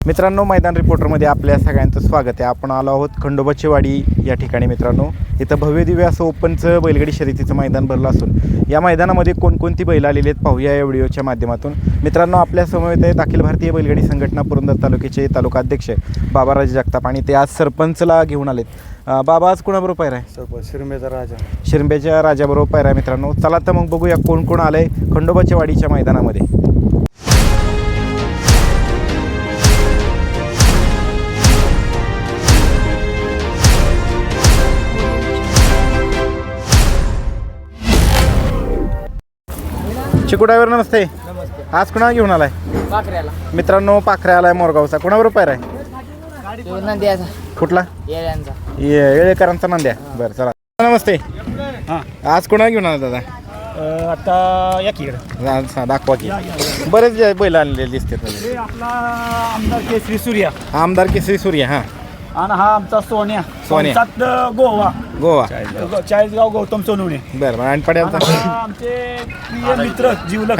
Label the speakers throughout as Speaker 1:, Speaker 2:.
Speaker 1: मित्रांनो, मैदान रिपोर्टरमध्ये आपल्या सगळ्यांचं स्वागत आहे. आपण आलो आहोत खंडोबाची वाडी या ठिकाणी. मित्रांनो, इथं भव्य दिव्य असं ओपनचं बैलगाडी शर्यतीचं मैदान भरलं असून या मैदानामध्ये कोणकोणती बैल आलेली आहेत पाहूया या व्हिडिओच्या माध्यमातून. मित्रांनो, आपल्या समवेत आहेत अखिल भारतीय बैलगाडी संघटना पुरंदर तालुक्याचे तालुका अध्यक्ष बाबाराजे जगताप आणि ते आज सरपंचला घेऊन आलेत. बाबा, आज कोणाबरोबर पायरा आहे?
Speaker 2: सरपंच शिरंबेचा राजा.
Speaker 1: शिरंबेच्या राजाबरोबर पायरा आहे. मित्रांनो, चला तर मग बघूया कोण कोण आलं आहे खंडोबाच्या वाडीच्या मैदानामध्ये. चिकू ड्रायव्हर, नमस्ते. आज कुणा घेऊन आलाय?
Speaker 3: पाखऱ्याला.
Speaker 1: मित्रांनो, पाखऱ्या आलाय मोरगावचा. कोणाबरोबर पायरा आहे?
Speaker 3: नंद्याचा.
Speaker 1: कुठला?
Speaker 3: येळ्यांचा.
Speaker 1: येळेकरांचा नंद्या. बरं, चला. नमस्ते. आज कोणा घेऊन आला दादा?
Speaker 2: आता या किकडे
Speaker 1: दाखवा की. बरेच बैल आणलेले दिसतात.
Speaker 2: आपला आमदार केसरी सूर्या,
Speaker 1: आमदार केसरी सूर्य. हां.
Speaker 2: आणि हा आमचा सोन्या.
Speaker 1: सोन्या.
Speaker 2: गोवा.
Speaker 1: गोवा.
Speaker 2: चाळीसगाव गौतम सोनवणे.
Speaker 1: बरं. आणि पड्यालचा?
Speaker 2: आमचे प्रिय मित्र जीवलक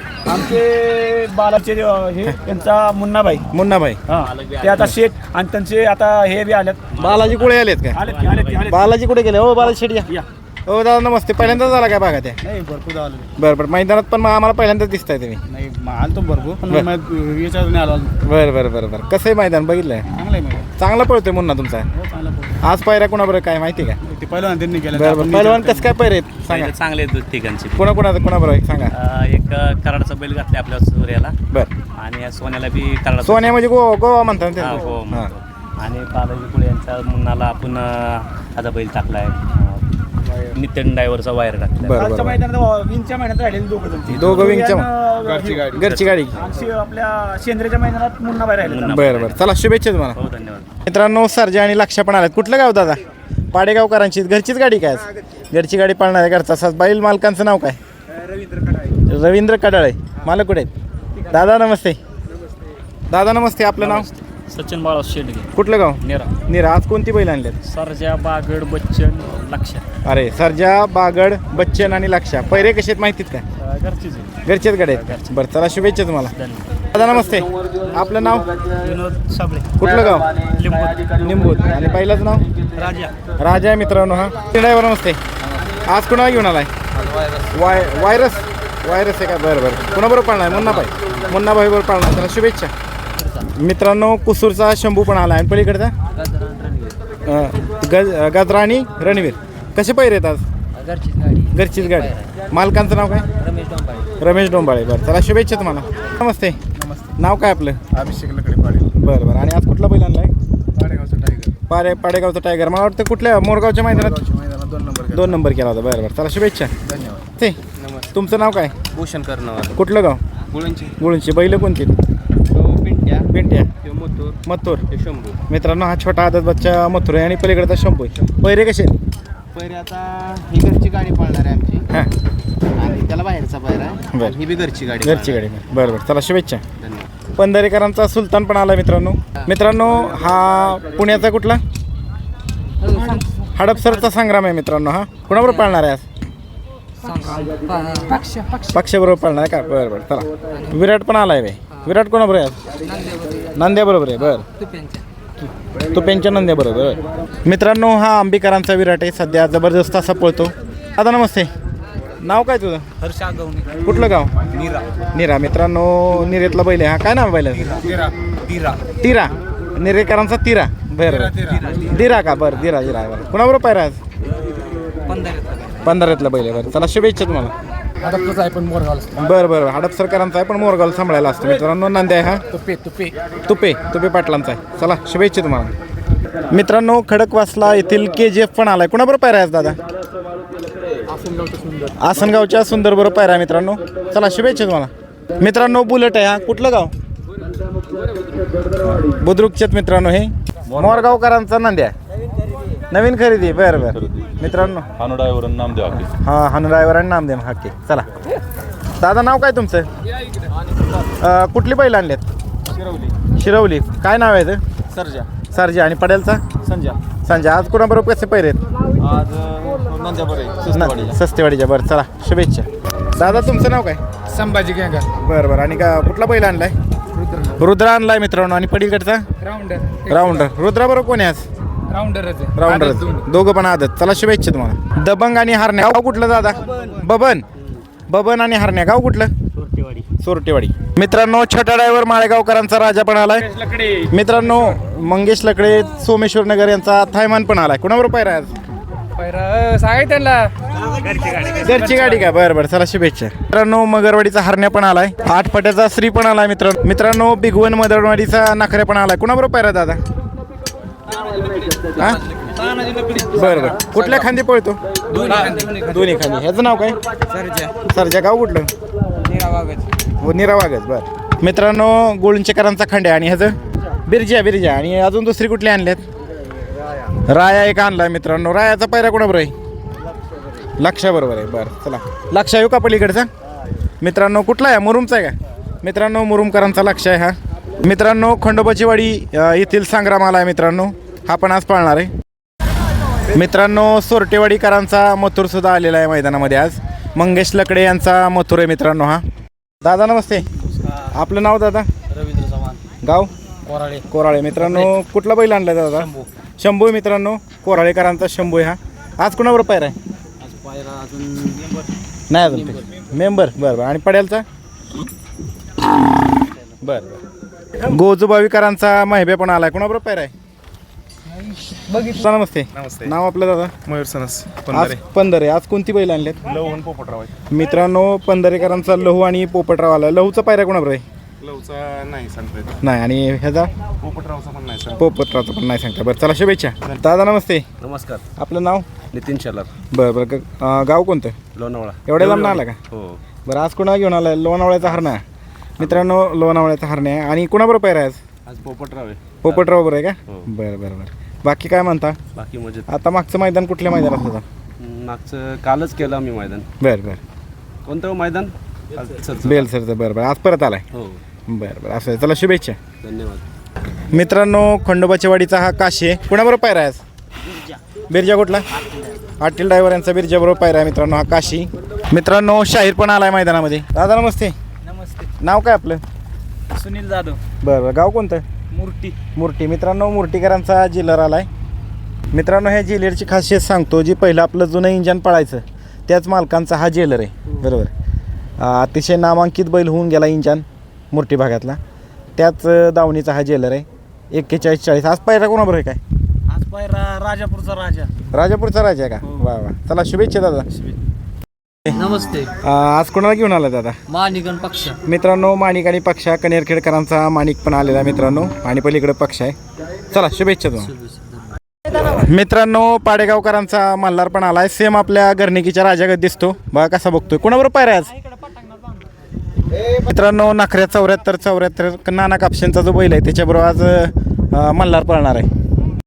Speaker 2: आमचे बालाचे हे त्यांचा मुन्नाभाई. हा, ते आता शेठ आणि त्यांचे आता हे बी आलेत.
Speaker 1: बालाजी कुठे आलेत का?
Speaker 2: आले.
Speaker 1: बालाजी कुठे गेले? हो बालाजी शेट या. हो दादा, नमस्ते. पहिल्यांदाच आला काय भागात?
Speaker 2: नाही, भरपूर आले.
Speaker 1: बरं. मैदानात पण आम्हाला पहिल्यांदाच दिसताय तुम्ही.
Speaker 2: नाही, आलो भरपूर पण याच्यावर नाही आलो.
Speaker 1: बरं. कसं आहे मैदान? बघितलंय? चांगला पळतोय मुन्ना तुमचा. आज पायऱ्या कोणाबरोबर काय माहिती का?
Speaker 2: ते पहिलवान त्यांनी केलं.
Speaker 1: बरं. पहिलवान कसं काय पायरे आहेत सांगा.
Speaker 4: चांगले आहेत ठिकाणचे.
Speaker 1: कोणाबरोबर सांगा.
Speaker 4: एक कराडाचा बैल घातला आपल्या सूर्याला.
Speaker 1: बरं.
Speaker 4: आणि सोन्याला बी कराडा.
Speaker 1: सोन्या म्हणजे गोवा म्हणतात ना
Speaker 4: हा,
Speaker 1: ते?
Speaker 4: हो
Speaker 1: हां.
Speaker 4: म्हणतो. आणि बालाजी कुळे यांचा मुन्नाला आपण आता बैल टाकलाय. नितीन ड्रायव्हरचा वायर टाकलाय.
Speaker 1: बरं.
Speaker 2: आजच्या मैदानात विंगच्या महिन्यात राहिलेले
Speaker 1: दोघं विंगच्या घरची गाडी.
Speaker 2: आपल्या शेंद्रेच्या मैदानात मुन्ना बाहेर राहिले.
Speaker 1: बरं. चला, शुभेच्छा तुम्हाला.
Speaker 4: हो, धन्यवाद.
Speaker 1: मित्रांनो, सर्जा आणि लक्ष्य पण आलेत. कुठलं गाव दादा? पाडेगावकरांची घरचीच गाडी काय? घरची गाडी पाळणार आहे. घरचा सास. बैल मालकांचं नाव काय? रवींद्र कडाळे. मालक कुठे आहेत? दादा नमस्ते. दादा नमस्ते. आपलं नाव?
Speaker 4: सचिन बाळा शेंडगे.
Speaker 1: कुठलं गाव?
Speaker 4: नेरा.
Speaker 1: आज कोणती बैल आणल्यात?
Speaker 4: सरजा, बागड, बच्चन, लक्ष.
Speaker 1: अरे, सर्जा, बागड, बच्चन आणि लक्ष्या. पैरे कसे आहेत माहितीत का? घरचेच गाडी आहेत. बरं, चला, शुभेच्छा तुम्हाला. दादा नमस्ते. आपलं नाव?
Speaker 4: विनोद साबळे.
Speaker 1: कुठलं गाव? निंबूत. आणि पहिलाच नाव? राजा आहे. मित्रांनो, हा ड्रायव्हर नमस्ते. आज कुणाला घेऊन आलाय? वायरस आहे का? बरं. कुणाबरोबर पाळणार? मुन्नाभाई बरोबर पाळणार. त्याला शुभेच्छा. मित्रांनो, कुसूरचा शंभू पण आला आहे. पलीकडचा गजरा आणि रणवीर. कसे पैरे आहेत आज? घरचीच गाडी. मालकांचं नाव काय? रमेश डोंबाळे. बरं, चला, शुभेच्छा तुम्हाला. नमस्ते. नाव काय आपलं?
Speaker 2: अभिषेक लकडे पाडे.
Speaker 1: बरं. आणि आज कुठला बैल आणलाय?
Speaker 2: पाडेगावचा टायगर.
Speaker 1: पाडेगावचा टायगर. मला वाटतं कुठल्या मोरगावच्या मैदानात 2 नंबर केला होता. बरं. चला, शुभेच्छा.
Speaker 2: धन्यवाद.
Speaker 1: ते तुमचं नाव काय?
Speaker 4: भूषण करणार.
Speaker 1: कुठलं गाव? गुळूंची. बैल कोणती? पिंट्या. मथुर.
Speaker 4: शंभू.
Speaker 1: मित्रांनो, हा छोटा आदत बच्चा मथुर आहे आणि पलीकडचा शंभू आहे. पैरे कसे आहेत?
Speaker 3: पहिले आता ही घरची गाडी पाळणार आहे आमची.
Speaker 1: हां.
Speaker 3: आणि त्याला बाहेरचा पायरा आहे.
Speaker 1: बरं.
Speaker 3: ही बी घरची गाडी.
Speaker 1: बरं. चला, शुभेच्छा.
Speaker 3: धन्यवाद.
Speaker 1: पंधरेकरांचा सुलतान पण आला. मित्रांनो, हा पुण्याचा कुठला? हडपसरचा संग्राम आहे. मित्रांनो, हा कुणाबरोबर पाळणार आहे आज? पक्षाबरोबर पाळणार आहे का? बरं. चला, विराट पण आलाय बाई. विराट कोणाबरोबर आहे आज? नंद्या बरोबर आहे. बरं. तो पेंच्या नंद्या बरोबर. मित्रांनो, हा अंबिकरांचा विराट आहे. सध्या जबरदस्त असा पळतो. आता नमस्ते. नाव काय तुझं?
Speaker 3: हर्ष आगवणे.
Speaker 1: कुठलं गाव? निरा. मित्रांनो, निरेतला बैल आहे. हा काय नाव बैल? तिरा. निरेकरांचा तिरा. बरं. दिरा का? बरं. दिरा. बरं. कुणाबरोबर पायरा आज? पंधरातला बैल आहे. बरं, चला, शुभेच्छा तुम्हाला. बरं. हडपसरकरांचा आहे पण मोरगाव सांभाळायला असतो. मित्रांनो, नांद्या आहे. हा तुपे पाटलांचा आहे. चला, शुभेच्छा तुम्हाला. मित्रांनो, खडकवासला येथील KGF पण आलाय. कुणाबरोबर पायरा आहे दादा? आसनगावच्या सुंदर बरोबर पायरा. मित्रांनो, चला, शुभेच्छा तुम्हाला. मित्रांनो, बुलेट आहे. हा कुठलं गाव? बुद्रुकच्यात. मित्रांनो, हे मोरगावकरांचा नांद्या. नवीन खरेदी. बरं. मित्रांनो,
Speaker 5: हानू ड्रायव्हर नामदेव हाके.
Speaker 1: हां, हानू ड्रायव्हर आणि नामदेव हाके. चला, दादा नाव काय तुमचं? कुठली बैल आणल्यात? शिरवली. काय नाव आहे? सर्जा. आणि पडेलचा? संजय. आज कोणाबरोबर कसे पैरे आहेत? सस्तेवाडीच्या. बरं, चला, शुभेच्छा. दादा तुमचं नाव काय?
Speaker 2: संभाजी गँगर.
Speaker 1: बरं. आणि का कुठला बैल आणलाय? रुद्रा आणलाय मित्रांनो आणि पलीकडचा राऊंडर रुद्राबरोबर कोण आहे आज राऊंडर दोघं पण आदत. चला शुभेच्छा तुम्हाला. दबंग आणि हरण्या गाव कुठलं दादा? बबन आणि हरण्या गाव कुठलं? सोरटेवाडी. मित्रांनो छोटा ड्रायव्हर माळेगावकरांचा राजा पण आलाय. मित्रांनो मंगेश लकडे सोमेश्वर नगर यांचा थायमान पण आलाय. कुणाबरोबर पायरा आज? घरची गाडी का? बरं चला शुभेच्छा. मित्रांनो मगरवाडीचा हरण्या पण आलाय. 8 फट्याचा श्री पण आलाय. मित्रांनो बिगवन मदरवाडीचा नखऱ्या पण आलाय. कुणाबरोबर पायरा दादा? बरं कुठल्या खांदी पळतो? दोन्ही खांदी. ह्याचं नाव काय? सरजा. गाव कुठलं? निरावागज. बरं मित्रांनो गोळुंचेकरांचा खंड्या आणि ह्याचं बिरजा आणि अजून दुसरी कुठली आणल्यात? राया एक आणलाय मित्रांनो. रायाचा पायरा कोणाबरोबर आहे? लक्षा बरोबर आहे. बरं चला लक्षा येऊ का पलीकडचा? मित्रांनो कुठला आहे? मुरुमचा आहे का? मित्रांनो मुरुमकरांचा लक्ष आहे हा. मित्रांनो खंडोबाची वाडी येथील संग्राम आला आहे मित्रांनो. हा पण आज पाळणार आहे. मित्रांनो सोरटेवाडीकरांचा मथुर सुद्धा आलेला आहे मैदानामध्ये आज. मंगेश लकडे यांचा मथुर आहे मित्रांनो हा. दादा नमस्ते. आपलं नाव दादा?
Speaker 3: रवींद्र चव्हाण.
Speaker 1: गाव? कोराळे. मित्रांनो कुठला बैल आणला दादा? शंभू. मित्रांनो कोराळेकरांचा शंभू आहे हा. आज कुणाबरोबर पायरा आहे? नाही अजून मेंबर. बरं आणि पड्यालचा? बरं गोजूबावीकरांचा महिबे पण आलाय. कुणाबरोबर पायरा आहे? नमस्ते. नाव आपलं दादा?
Speaker 5: मयूर सनस
Speaker 1: आज पंधरे. आज कोणती बैल आणलेत?
Speaker 5: लहून पोपटराव आहे.
Speaker 1: मित्रांनो पंधरेकरांचा लहू आणि पोपटराव आला. लहूचा पायरा कोणाबरोबर आहे?
Speaker 5: लहूचा नाही सांगता येत.
Speaker 1: नाही आणि ह्याचा?
Speaker 5: पोपटरावचा पण नाही सांगता.
Speaker 1: पोपटरावचा पण नाही सांगता. बरं चला शुभेच्छा. दादा नमस्ते.
Speaker 4: नमस्कार.
Speaker 1: आपलं नाव?
Speaker 4: नितीन शेलार.
Speaker 1: बरं गाव कोणतं?
Speaker 4: लोणावळा.
Speaker 1: एवढ्या लांब आला का?
Speaker 4: हो.
Speaker 1: बरं आज कोणाला घेऊन आलाय? लोणावळ्याचा हरण्या. मित्रांनो लोणावळ्याचा हरण्या. आणि कुणाबरोबर पायरा आहे आज?
Speaker 4: आज पोपटराव आहे.
Speaker 1: पोपटराव बरोबर आहे का?
Speaker 4: हो.
Speaker 1: बरं बाकी काय म्हणता?
Speaker 4: बाकी मजेत.
Speaker 1: आता मागचं मैदान कुठल्या मैदानात होतं?
Speaker 4: मागचं कालच केलं आम्ही मैदान.
Speaker 1: बरं
Speaker 4: कोणतं मैदान?
Speaker 1: बेल सरचं. बरं आज परत आलाय.
Speaker 4: हो.
Speaker 1: बरं असं आहे. चला शुभेच्छा.
Speaker 4: धन्यवाद.
Speaker 1: मित्रांनो खंडोबाच्या वाडीचा हा काशी आहे. कुणाबरोबर पायरा आहे आज? बिरजा कुठला? आटील ड्रायव्हर यांचा बिरजा बरोबर पायरा आहे मित्रांनो हा काशी. मित्रांनो शाहीर पण आलाय मैदानामध्ये. दादा नमस्ते. नाव काय आपलं?
Speaker 2: सुनील जाधव.
Speaker 1: बरं गाव कोणतं? मूर्ती. मित्रांनो मूर्तीकरांचा जिलर आलाय. मित्रांनो ह्या जेलरची खासियत सांगतो. जी पहिलं आपलं जुनं इंजन पळायचं त्याच मालकांचा हा जेलर आहे. बरोबर. अतिशय नामांकित बैल होऊन गेला इंजन मूर्ती भागातला. त्याच दावणीचा हा जेलर आहे. 41-40. आज पायरा कोणाबरोबर आहे काय?
Speaker 2: आज पायरा राजापूरचा
Speaker 1: राजापूरचा राजा आहे का? वा चला शुभेच्छा दादा.
Speaker 3: नमस्ते.
Speaker 1: आज कोणाला घेऊन आला दादा?
Speaker 3: मानिकन पक्ष.
Speaker 1: मित्रांनो माणिक आणि पक्षा कनेरखेडकरांचा माणिक पण आलेला मित्रांनो आणि पलीकडे पक्ष आहे. चला शुभेच्छा तुम्हाला. मित्रांनो पाडेगावकरांचा मल्हार पण आलाय. सेम आपल्या गर्निकीच्या राजागत दिसतो. बघा कसा बघतोय. कोणाबरोबर पायरा आज? मित्रांनो नखऱ्या 74 नाना कापशेंचा जो बैल आहे त्याच्याबरोबर आज मल्हार पळणार आहे.